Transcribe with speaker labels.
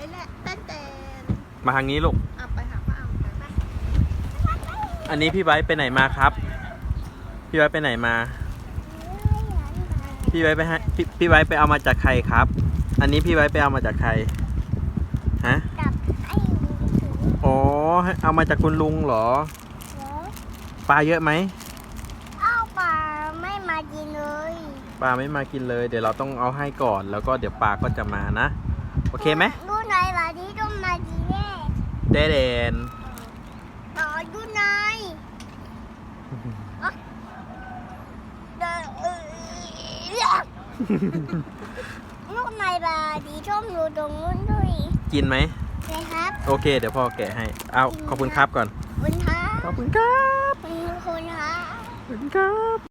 Speaker 1: แหละแต่
Speaker 2: มาทางนี้ลูก
Speaker 1: ไปหาป้าเอาไป
Speaker 2: อันนี้พี่ไบร์ทไปไหนมาครับ พี่ไบร์ทไปไหนมา พี่ไบร์ทไปให้พี่ไบร์ทไปเอามาจากใครครับ อันนี้พี่ไบร์ทไปเอามาจากใคร ฮะ
Speaker 3: กับไอ้ลุงถือ
Speaker 2: อ๋อเอามาจากคุณลุงเหรอ
Speaker 3: เหรอ
Speaker 2: ปลาเยอะไหม
Speaker 3: เอาปลาไม่มากินเลย
Speaker 2: ปลาไม่มากินเลย เดี๋ยวเราต้องเอาให้ก่อน แล้วก็เดี๋ยวปลาก็จะมานะ โอเคไหม
Speaker 3: ดูไหนวันนี้ต้องมากินแน่
Speaker 2: เดเดน
Speaker 3: ดูไหนลูกในบาดีชมอยู่ตรงนู้นด้วย
Speaker 2: กินไหม
Speaker 3: เลยครับ
Speaker 2: โอเค เดี๋ยวพ่อแกะให้ เอาขอบคุณครับก่อน
Speaker 3: คุณครับ
Speaker 2: ขอบคุณครับ
Speaker 3: คุณครับ
Speaker 2: ขอบคุณครับ